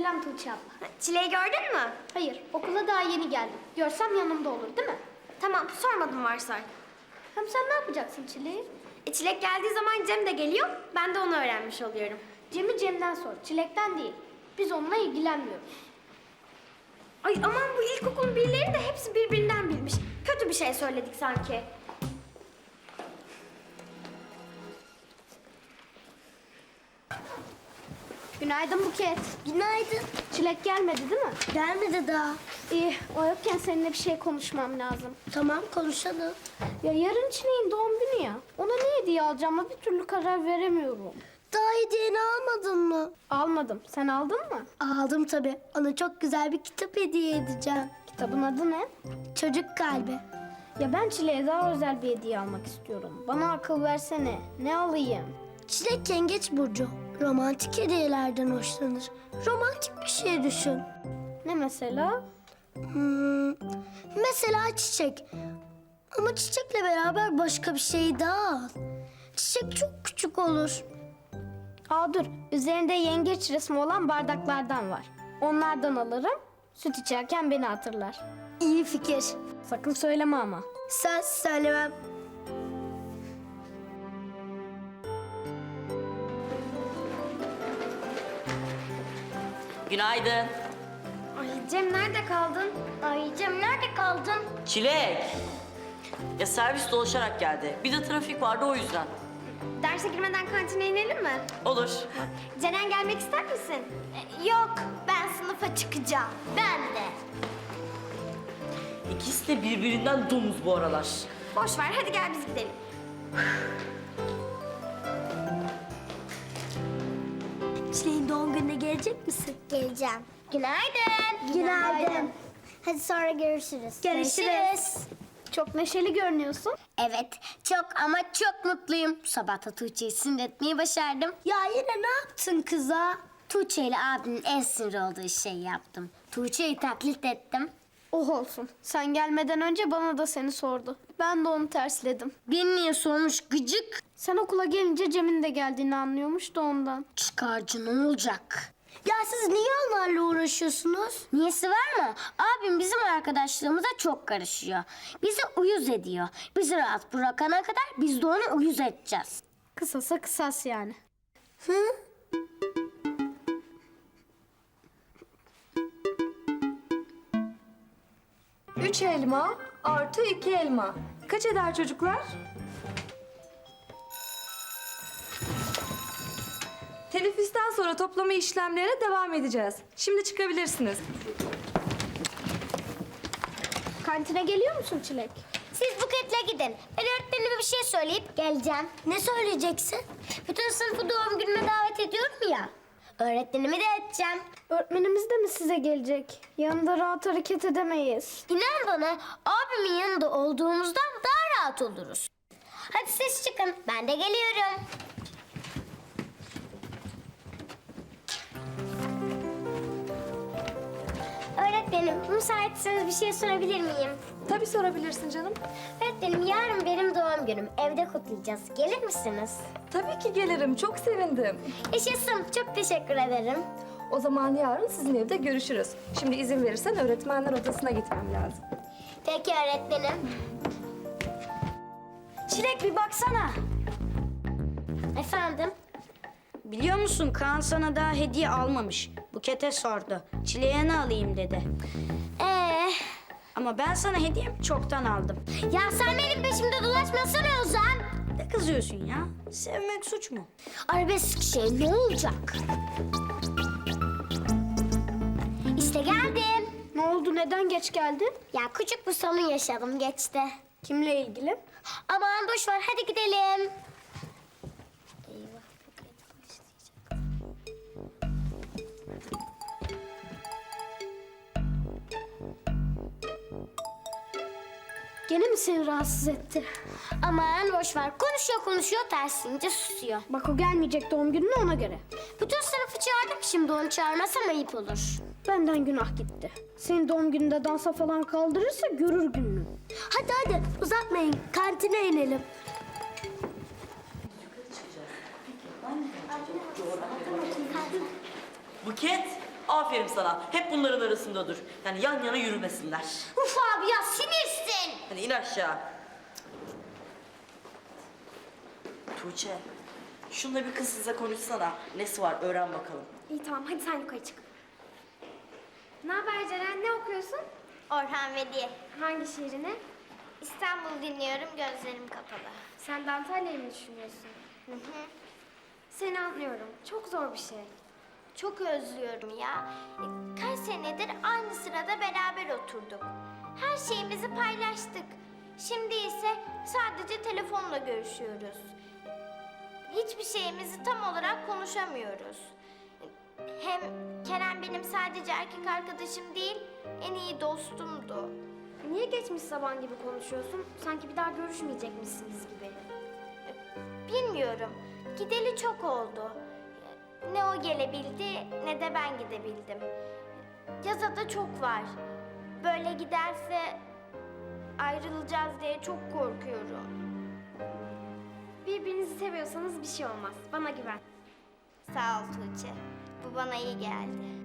Selam Tuğçe abla. Çileği gördün mü? Hayır, okula daha yeni geldim. Görsem yanımda olur değil mi? Tamam, sormadım varsay. Hem sen ne yapacaksın Çilek'i? Çilek geldiği zaman Cem de geliyor. Ben de onu öğrenmiş oluyorum. Cem'i Cem'den sor, Çilek'ten değil. Biz onunla ilgilenmiyoruz. Ay aman bu ilkokulun birileri de hepsi birbirinden bilmiş. Kötü bir şey söyledik sanki. Günaydın Buket. Günaydın. Çilek gelmedi değil mi? Gelmedi daha. İyi, o yokken seninle bir şey konuşmam lazım. Tamam konuşalım. Ya yarın Çilek'in doğum günü ya. Ona ne hediye alacağıma bir türlü karar veremiyorum. Daha hediyeni almadın mı? Almadım. Sen aldın mı? Aldım tabii. Ona çok güzel bir kitap hediye edeceğim. Kitabın adı ne? Çocuk kalbi. Ya ben Çilek'e daha özel bir hediye almak istiyorum. Bana akıl versene. Ne alayım? Çilek yengeç burcu. Romantik hediyelerden hoşlanır. Romantik bir şey düşün. Ne mesela? Mesela çiçek. Ama çiçekle beraber başka bir şey daha al. Çiçek çok küçük olur. Aa dur. Üzerinde yengeç resmi olan bardaklardan var. Onlardan alırım. Süt içerken beni hatırlar. İyi fikir. Sakın söyleme ama. Söz söylemem. Günaydın. Ay Cem nerede kaldın? Ay Cem nerede kaldın? Çilek. Ya servis dolaşarak geldi. Bir de trafik vardı o yüzden. Derse girmeden kantine inelim mi? Olur. Ceren gelmek ister misin? Yok, ben sınıfa çıkacağım. Ben de. İkisi de birbirinden domuz bu aralar. Boş ver, hadi gel biz gidelim. Çileğin doğum gününe gelecek misin? Geleceğim. Günaydın. Günaydın. Hadi sonra görüşürüz. Görüşürüz. Çok neşeli görünüyorsun. Evet, çok ama çok mutluyum. Sabah da Tuğçe'yi sinir etmeyi başardım. Ya yine ne yaptın kıza? Tuğçe ile abinin en sinir olduğu şeyi yaptım. Tuğçe'yi taklit ettim. Oh olsun. Sen gelmeden önce bana da seni sordu. Ben de onu tersledim. Beni niye sormuş gıcık? Sen okula gelince Cem'in de geldiğini anlıyormuş da ondan. Çıkarcı ne olacak? Ya siz niye onlarla uğraşıyorsunuz? Niyesi var mı? Abim bizim arkadaşlığımıza çok karışıyor. Bizi uyuz ediyor. Bizi rahat bırakana kadar biz de onu uyuz edeceğiz. Kısasa kısas yani. Hı? Üç elma artı 2 elma. Kaç eder çocuklar? Teneffüsten sonra toplama işlemlerine devam edeceğiz. Şimdi çıkabilirsiniz. Kantine geliyor musun Çilek? Siz Buket'le gidin. Ben öğretmenime bir şey söyleyip geleceğim. Ne söyleyeceksin? Bütün sınıfı doğum günüme davet ediyorum ya. Öğretmenimi de edeceğim. Öğretmenimiz de mi size gelecek? Yanında rahat hareket edemeyiz. İnan bana abimin yanında olduğumuzdan daha rahat oluruz. Hadi siz çıkın. Ben de geliyorum. Öğretmenim, müsaitseniz bir şey sorabilir miyim? Tabii sorabilirsin canım. Öğretmenim, yarın benim doğum günüm. Evde kutlayacağız. Gelir misiniz? Tabii ki gelirim. Çok sevindim. Yaşasın. Çok teşekkür ederim. O zaman yarın sizin evde görüşürüz. Şimdi izin verirsen öğretmenler odasına gitmem lazım. Peki öğretmenim. Çilek bir baksana. Efendim? Biliyor musun Kaan sana daha hediye almamış. Buket'e sordu. Çileğe ne alayım dedi. Ama ben sana hediyemi çoktan aldım. Ya sen benim peşimde dolaşmasana Ozan. Ne kızıyorsun ya? Sevmek suç mu? Arabesk şey ne olacak? İşte geldim. Ne oldu? Neden geç geldin? Ya küçük bir sorun yaşadım geçti. Kimle ilgili? Aman boş ver hadi gidelim. Eyvah Buket başlayacak. Gene mi seni rahatsız etti? Aman boş ver konuşuyor tersince susuyor. Bak o gelmeyecek doğum gününe ona göre. Bütün sınıfı çağırdım şimdi onu çağırmasam ayıp olur. Benden günah gitti. Senin doğum gününde dansa falan kaldırırsa görür gününü. Hadi uzatmayın. Kantine inelim. Buket. Aferin sana. Hep bunların arasında dur. Yani yan yana yürümesinler. Uf abi ya sinirsin. Hadi in aşağı. Tuğçe, şunla bir kız size konuşsana. Nesi var öğren bakalım. İyi tamam hadi sen yukarı çık. Ne haber Ceren? Ne okuyorsun? Orhan Veli. Hangi şiirini? İstanbul dinliyorum, gözlerim kapalı. Sen de Antalya'yı mı düşünüyorsun? Hı hı. Seni anlıyorum. Çok zor bir şey. Çok özlüyorum ya. Kaç senedir aynı sırada beraber oturduk. Her şeyimizi paylaştık. Şimdi ise sadece telefonla görüşüyoruz. Hiçbir şeyimizi tam olarak konuşamıyoruz. Hem Kerem benim sadece erkek arkadaşım değil, en iyi dostumdu. Niye geçmiş zaman gibi konuşuyorsun? Sanki bir daha görüşmeyecekmişsiniz gibi. Bilmiyorum. Gideli çok oldu. Ne o gelebildi ne de ben gidebildim. Yaza da çok var. Böyle giderse ayrılacağız diye çok korkuyorum. Birbirinizi seviyorsanız bir şey olmaz. Bana güven. Sağ ol Tuğçe. Bu bana iyi geldi.